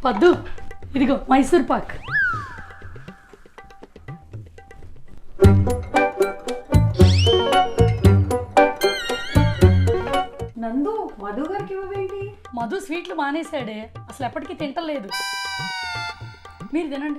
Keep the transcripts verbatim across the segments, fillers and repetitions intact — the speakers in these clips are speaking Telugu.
పద్దు ఇదిగో మైసూర్ పాక్. నందు మధు గారికి ఇవ్వేంటి? మధు స్వీట్లు మానేశాడే, అసలు ఎప్పటికీ తింటలేదు. మీరు తినండి.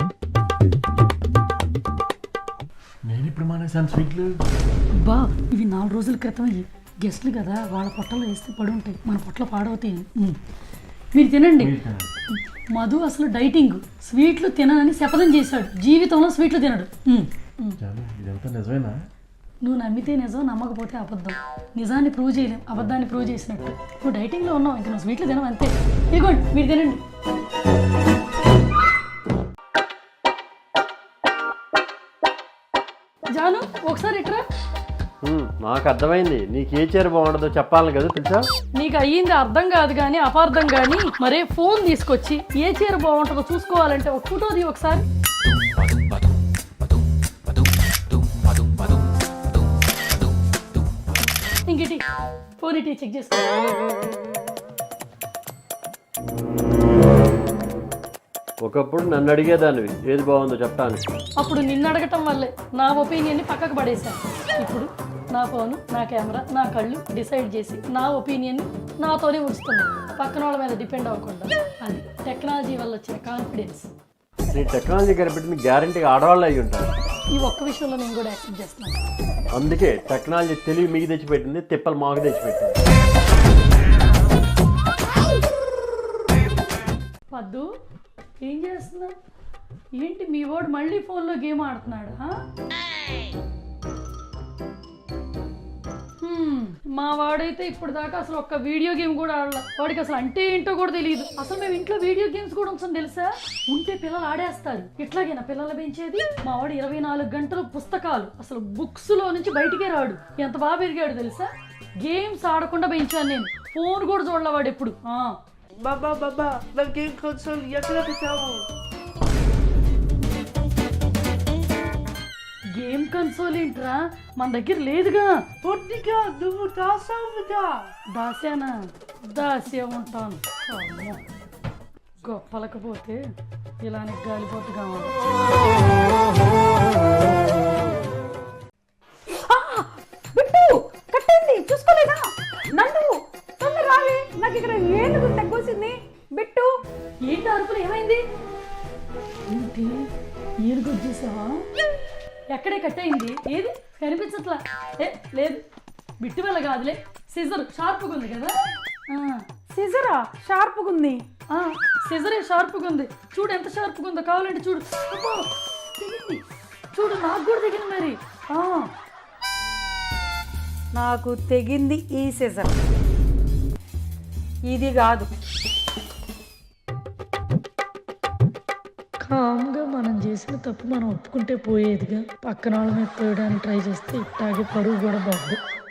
నేను ఇప్పుడు మానేసాను స్వీట్లు. అబ్బా ఇవి నాలుగు రోజుల క్రితం గెస్ట్లు కదా, వాళ్ళ పొట్టలో వేస్తే పడి ఉంటాయి, మన పొట్టలో పాడవుతాయి. మీరు తినండి. మధు అసలు డైటింగ్, స్వీట్లు తిననని శపథం చేశాడు, జీవితంలో స్వీట్లు తినడు. ఇదంతా నిజమేనా? నువ్వు నమ్మితే నిజం, నమ్మకపోతే అబద్ధం. నిజాన్ని ప్రూవ్ చేయలేం, అబద్ధాన్ని ప్రూవ్ చేసినట్టు. నువ్వు డైటింగ్లో ఉన్నావు, ఇంకా నువ్వు స్వీట్లు తినవు అంతే. ఇదిగోండి మీరు తినండి. జాను ఒకసారి ఇట్రా. నాకు అర్థమైంది, నీకు ఏ చీర బాగుంటుందో చెప్పాలి కదా తెలుసా. నీకు అయ్యింది అర్థం కాదు కానీ అపార్థం కానీ. మరే ఫోన్ తీసుకొచ్చి ఏ చీర బాగుంటుందో చూసుకోవాలంటే ఒక ఫోటోది ఒకసారి. ఇంకటి ఫోన్ ఇటీ చెక్ చేసుకో. ఒకప్పుడు నన్ను అడిగేదానివి ఏది బాగుందో చెప్పడానికి. అప్పుడు నిన్ను అడగటం వల్లే నా ఒపీనియన్ని పక్కకు పడేశాను. ఇప్పుడు నా ఫోను, నా కెమెరా, నా కళ్ళు డిసైడ్ చేసి నా ఒపీనియన్ని నాతోనే ఉంచుతున్నాను, పక్కన వాళ్ళ మీద డిపెండ్ అవ్వకుండా. అది టెక్నాలజీ వల్ల వచ్చిన కాన్ఫిడెన్స్. నీ టెక్నాలజీ కనిపెట్టిన గ్యారంటీగా ఆడవాళ్ళు అయ్యి ఉంటారు. ఈ ఒక్క విషయంలో నేను కూడా యాక్సెప్ట్ చేస్తున్నాను. అందుకే టెక్నాలజీ తెలివి మీకు తెచ్చిపెట్టింది, తిప్పలు మాకు తెచ్చిపెట్టింది. పద్దు ఏం చేస్తున్నా? ఏంటి మీ వాడు మళ్ళీ ఫోన్లో గేమ్ ఆడుతున్నాడా? మా వాడైతే ఇప్పుడు దాకా అసలు ఒక్క వీడియో గేమ్ కూడా ఆడలా. వాడికి అసలు అంటే ఏంటో కూడా తెలియదు. అసలు మేము ఇంట్లో వీడియో గేమ్స్ కూడా ఉంచం తెలుసా. ఉంటే పిల్లలు ఆడేస్తారు. ఇట్లాగేనా పిల్లలు పెంచేది? మా వాడు ఇరవై నాలుగు గంటలు పుస్తకాలు, అసలు బుక్స్ లో నుంచి బయటికే రాడు. ఎంత బాగా పెరిగాడు తెలుసా. గేమ్స్ ఆడకుండా పెంచాను నేను. ఫోన్ కూడా చూడలే వాడు ఎప్పుడు. బాబా బాబా నా గేమ్ కన్సోల్ ఎక్కడ పెట్టావు? గేమ్ కన్సోల్ ఏంట్రా, మన దగ్గర లేదుగా. పొట్టిగా నువ్వు దాసావుగా. దాస్యానా? దాస్య ఉంటాను. గొప్పలకపోతే ఇలానే గాలిపోతుగా బిట్టు కట్టండి చూసుకోలేదా? నందు తొందర రాలి, నాకు ఇక్కడ ఏనుగు తగ్గొచ్చింది. బిట్టు ఏంటి అరుపులు, ఏమైంది? ఏంటి ఏనుగు వచ్చేసావా? ఎక్కడే కట్టయింది? ఏది కనిపించట్లా. ఏ లేదు, బిట్టు వల్ల కాదులే, సిజర్ షార్ప్గా ఉంది కదా. సిజరా షార్ప్గా ఉంది? సిజరే షార్ప్గా ఉంది. చూడు ఎంత షార్ప్గా ఉందో, కావాలంటే చూడు. తెగింది చూడు, నాకు కూడా తెగింది మరి. నాకు తెగింది ఈ సిజర్, ఇది కాదు. కామ్గా మనం చేసిన తప్పు మనం ఒప్పుకుంటే పోయేదిగా. పక్కన వాళ్ళ మీద తోయడానికి ట్రై చేస్తే ఇట్టాగే పరువు కూడా బాగుంది.